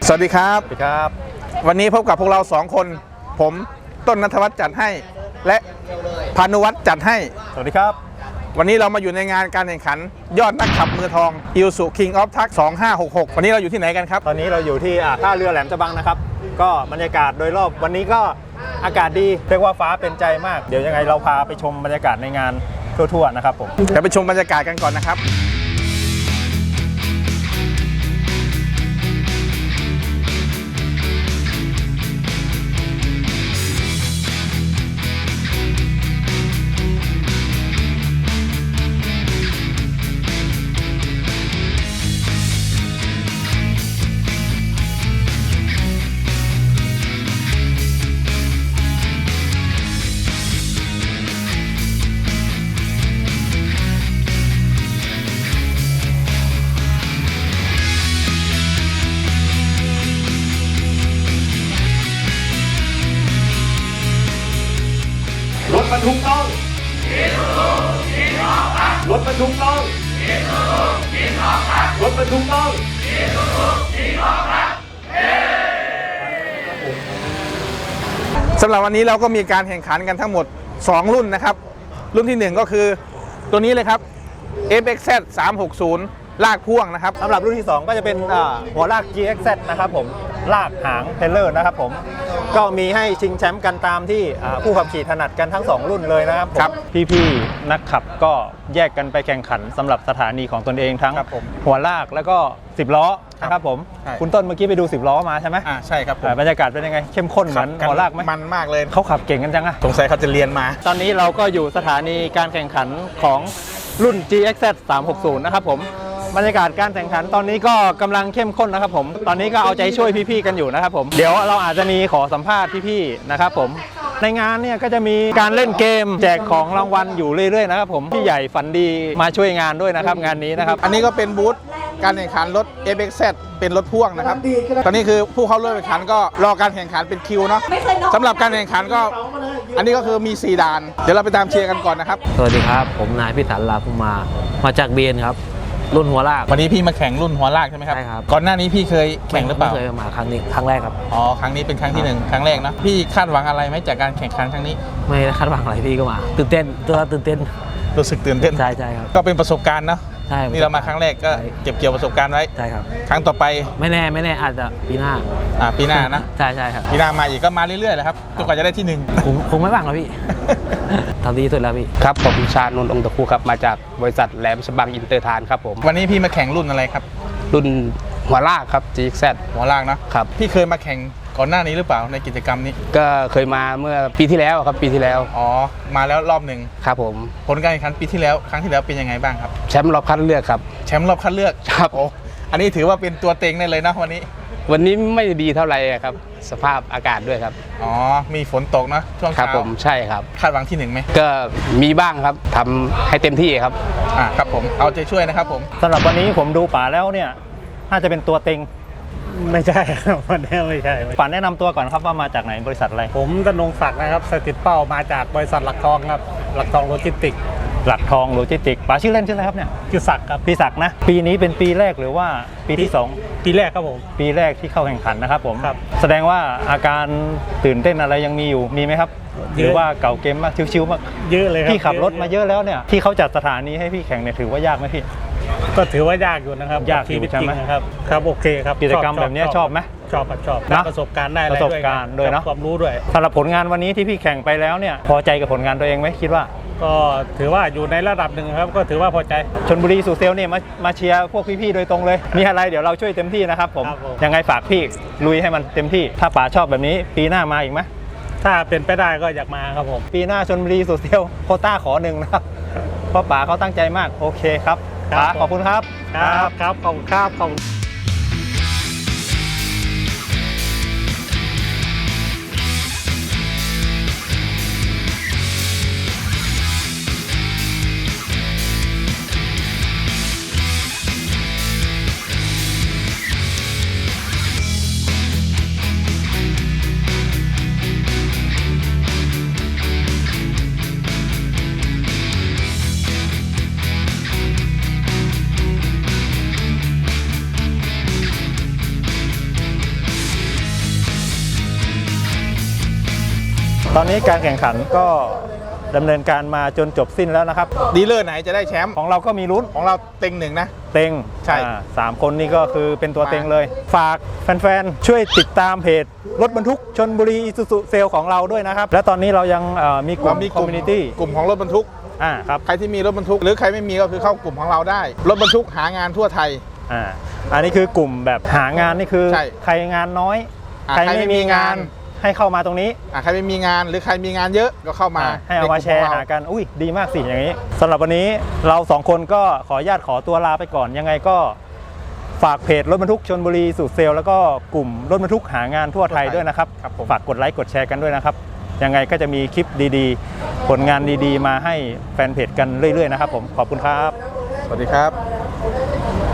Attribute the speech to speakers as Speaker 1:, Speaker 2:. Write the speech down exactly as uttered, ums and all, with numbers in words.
Speaker 1: สวัสดีครับ
Speaker 2: สวัสดีครับ
Speaker 1: วันนี้พบกับพวกเราสองคนผมต้นณัฐวัฒน์จัดให้และพานุวัฒน์จัดให้
Speaker 2: สวัสดีครับ
Speaker 1: วันนี้เรามาอยู่ในงานการแข่งขันยอดนักขับมือทอง Isuzu King of Truck สองห้าหกหกวันนี้เราอยู่ที่ไหนกันครับ
Speaker 2: ตอนนี้เราอยู่ที่ท่าเรือแหลมฉบังนะครับก็บรรยากาศโดยรอบวันนี้ก็อากาศดีเรียกว่าฟ้าเป็นใจมากเดี๋ยวยังไงเราพาไปชมบรรยากาศในงานทั่วๆนะครับผม
Speaker 1: เดี๋ยวไปชมบรรยากาศกันก่อนนะครับ
Speaker 2: รถบรรทุกต้องรถบรรทุกต้องรถบรรทุกต้อง
Speaker 1: สำหรับวันนี้เราก็มีการแข่งขันกันทั้งหมดสองรุ่นนะครับรุ่นที่หนึ่งก็คือตัวนี้เลยครับ เอฟ เอ็กซ์ แซด สามหกศูนย์ ลากพ่วงนะครับ
Speaker 2: สำหรับรุ่นที่สองก็จะเป็นหัวลาก จี เอ็กซ์ แซด นะครับผมลากหางเทเลอร์นะครับผมก็มีให้ชิงแชมป์กันตามที่ผู้ขับขี่ถนัดกันทั้งสองรุ่นเลยนะครับผมพี่ๆนักขับก็แยกกันไปแข่งขันสำหรับสถานีของตนเองทั้งหัวลากแล้วก็สิบล้อนะครับผมคุณต้นเมื่อกี้ไปดูสิบล้อมาใช่ไหม
Speaker 1: อ่าใช่ครับ
Speaker 2: บรรยากาศเป็นยังไงเข้มข้นเหมือนหัวลากไหม
Speaker 1: มันมากเลย
Speaker 2: เขาขับเก่งกันจังอะ
Speaker 1: สงสัยเขาจะเรียนมา
Speaker 2: ตอนนี้เราก็อยู่สถานีการแข่งขันของรุ่น จี เอ็กซ์ แซด สามหกศูนย์ นะครับผมบรรยากาศการแข่งขันตอนนี้ก็กำลังเข้มข้นนะครับผมตอนนี้ก็เอาใจช่วยพี่ๆกันอยู่นะครับผมเดี๋ยวเราอาจจะมีขอสัมภาษณ์พี่ๆนะครับผมในงานเนี่ยก็จะมีการเล่นเกมแจกของรางวัลอยู่เรื่อยๆนะครับผมพี่ใหญ่ฝันดีมาช่วยงานด้วยนะครับงานนี้นะครับ
Speaker 1: อันนี้ก็เป็นบูธการแข่งขันรถ เอฟ เอ็กซ์ แซด เป็นรถพ่วงนะครับตอนนี้คือผู้เข้าร่วมแข่งขันก็รอการแข่งขันเป็นคิวเนาะสำหรับการแข่งขันก็อันนี้ก็คือมีสี่ด่านเดี๋ยวเราไปตามเชียร์กันก่อนนะครับ
Speaker 3: สวัสดีครับผมนายพิสันลาภุมามาจากเบียนครับรุ่นหัวลาก
Speaker 1: วันนี้พี่มาแข่งรุ่นหัวลากใช่ไหมครับ
Speaker 3: ใช่ครับ
Speaker 1: ก่อนหน้านี้พี่เคยแข่งหรือเปล่า
Speaker 3: ไม่เคยมาครั้งนี้ครั้งแรกครับ
Speaker 1: อ๋อครั้งนี้เป็นครั้งที่หนึ่งครั้งแรกนะพี่คาดหวังอะไรไหมจากการแข่งขันครั้งนี้
Speaker 3: ไม่คาดหวังอะไรพี่ก็มาตื่นเต้นตัวตื่นเต้น
Speaker 1: รู้สึกตื่นเต้น
Speaker 3: ใช่ใช่ครับ
Speaker 1: ก็เป็นประสบการณ์เนาะ
Speaker 3: ใช่
Speaker 1: นี่เรามาครั้งแรกก็เก็บเกี่ยวประสบการณ์ไว้
Speaker 3: ใช่ครับ
Speaker 1: ครั้งต่อไป
Speaker 3: ไม่แน่ไม่แน่อาจจะปีหน้า
Speaker 1: อ่าปีหน้านะ
Speaker 3: ใช่ใช่ครับ
Speaker 1: ปีหน้ามาอีกก็มาเรื่อยๆเลยครับจนกว่าจะได้ที่หนึ่ง
Speaker 3: คงคงไม่บ้างหรอกพี่ทำดีสุดแล้วพี่
Speaker 4: ครับผมชาญนนท์องค์ตะคูครับมาจากบริษัทแหลมฉบังอินเตอร์ทานครับผม
Speaker 1: วันนี้พี่มาแข่งรุ่นอะไรครับ
Speaker 4: รุ่นหัวลากครับ จี เอ็กซ์ แซด
Speaker 1: หัวลากนะครับพี่เคยมาแข่งก่อนหน้านี้หรือเปล่าในกิจกรรมนี้
Speaker 4: ก็เคยมาเมื่อปีที่แล้วครับปีที่แล้ว
Speaker 1: อ๋อมาแล้วรอบหนึ่ง
Speaker 4: ครับผม
Speaker 1: ผลการแข่งขันปีที่แล้วครั้งที่แล้วเป็นยังไงบ้างครับ
Speaker 4: แชมป์รอบคัดเลือกครับ
Speaker 1: แชมป์รอบคัดเลือก
Speaker 4: ครับ
Speaker 1: โอ้อันนี้ถือว่าเป็นตัวเต็งได้เลยนะวันนี้
Speaker 4: วันนี้ไม่ดีเท่าไหร่ครับสภาพอากาศด้วยครับ
Speaker 1: อ๋อมีฝนตกนะช่วงเช้า
Speaker 4: ครับผมใช่ครับ
Speaker 1: คาดหวังที่หนึ่งไหม
Speaker 4: ก็มีบ้างครับทำให้เต็มที่ครับ
Speaker 1: อ่าครับผมเอาใจช่วยนะครับผม
Speaker 2: สำหรับวันนี้ผมดูป๋าแล้วเนี่ยน่าจะเป็นตัวเต็ง
Speaker 5: ไม่ใช่ครับวันนี้ไม่ใช่
Speaker 2: ป๋าแนะนำตัวก่อนครับว่ามาจากไหนบริษัทอะไร
Speaker 5: ผมธนงศักดิ์นะครับสถิตเป้ามาจากบริษัทหลักทองครับหลักทองโลจิสติก
Speaker 2: หลักทองโลจิสติกป๋าชื่อเล่นชื่ออะไรครับเนี่ย
Speaker 5: ชื่อศักดิ์ครับ
Speaker 2: พี่ศักดิ์นะปีนี้เป็นปีแรกหรือว่าปีที่สอง
Speaker 5: ปีแรกครับผม
Speaker 2: ปีแรกที่เข้าแข่งขันนะครับผม
Speaker 5: ครับ
Speaker 2: แสดงว่าอาการตื่นเต้นอะไรยังมีอยู่มีไหมครับหรือว่าเก่าเกมมากชิวๆมาก
Speaker 5: เยอะเลยครับ
Speaker 2: พี่ขับรถมาเยอะแล้วเนี่ยที่เขาจัดสถานีให้พี่แข่งเนี่ยถือว่ายากไหมพี่
Speaker 5: ก็ถือว่ายากอยู่นะครับ
Speaker 2: ยากอยู่ใช่ไหม
Speaker 5: ครับครับโอเคครับ
Speaker 2: กิจกรรมแบบนี้ชอบไหม
Speaker 5: ชอบชอบได้ประสบการณ์ได้
Speaker 2: ประสบการณ์ด้วยเนาะ
Speaker 5: ความรู้ด้วย
Speaker 2: สำหรับผลงานวันนี้ที่พี่แข่งไปแล้วเนี่ยพอใจกับผลงานตัวเองไหมคิดว่า
Speaker 5: ก็ถือว่าอยู่ในระดับหนึ่งครับก็ถือว่าพอใจ
Speaker 2: ชลบุรีสู่เซลเนี่ยมามาเชียร์พวกพี่ๆโดยตรงเลยมีอะไรเดี๋ยวเราช่วยเต็มที่นะครับผมยังไงฝากพี่ลุยให้มันเต็มที่ถ้าป๋าชอบแบบนี้ปีหน้ามาอีกไหม
Speaker 5: ถ้าเป็นไปได้ก็อยากมาครับผม
Speaker 2: ปีหน้าชลบุรีสู่เซลโควต้าขอหนึ่งนะครับเพราะป๋าเขาตั้งใจมากโอเคครับป๋าขอบคุณครับ
Speaker 5: ครับครับขอบคุณครับขอบคุณ
Speaker 2: ตอนนี้การแข่งขันก็ดำเนินการมาจนจบสิ้นแล้วนะครับ
Speaker 1: ดีลเลอร์ไหนจะได้แชมป์
Speaker 2: ของเราก็มีลุ้น
Speaker 1: ของเราเต็งหนึ่งนะ
Speaker 2: เต็ง
Speaker 1: ใช่
Speaker 2: อ่าสามคนนี้ก็คือเป็นตัว
Speaker 1: มา
Speaker 2: เต็งเลย ฝากแฟนๆ ช่วยติดตามเพจรถบรรทุกชนบุรีอิซูซุเซลของเราด้วยนะครับ และตอนนี้เรายังเอ่อมีกลุ่
Speaker 1: เรา
Speaker 2: ม
Speaker 1: มี
Speaker 2: คอมมูนิตี้
Speaker 1: กลุ่มของรถบรรทุก
Speaker 2: อ่าครับ
Speaker 1: ใครที่มีรถบรรทุก หรือใครไม่มีก็คือเข้ากลุ่มของเราได้ รถบรรทุกหางานทั่วไทย
Speaker 2: อ่าอันนี้คือกลุ่มแบบหางานนี่คือ
Speaker 1: ใช่
Speaker 2: ใครงานน้อย
Speaker 1: อ่า
Speaker 2: ใคร
Speaker 1: ใครไม่
Speaker 2: ไม่
Speaker 1: มี
Speaker 2: มีงาน
Speaker 1: งาน
Speaker 2: ให้เข้ามาตรงนี้
Speaker 1: อ่ะใครไม่มีงานหรือใครมีงานเยอะก็เข้ามา
Speaker 2: อ่าให้เอามาแชร์
Speaker 1: ในกลุ่
Speaker 2: หากันอุ้ยดีมากสิอย่างนี้สำหรับวันนี้เราสองคนก็ขออนุญาตขอตัวลาไปก่อนยังไงก็ฝากเพจรถบรรทุกชลบุรีสูตรเซลแล้วก็กลุ่มรถบรรทุกหางานทั่วไทยด้วยนะครับฝากกดไลค์กดแชร์กันด้วยนะครับยังไงก็จะมีคลิปดีๆ ผลงานดีๆ มาให้แฟนเพจกันเรื่อยๆนะครับผมขอบคุณครับ
Speaker 1: สวัสดีครับ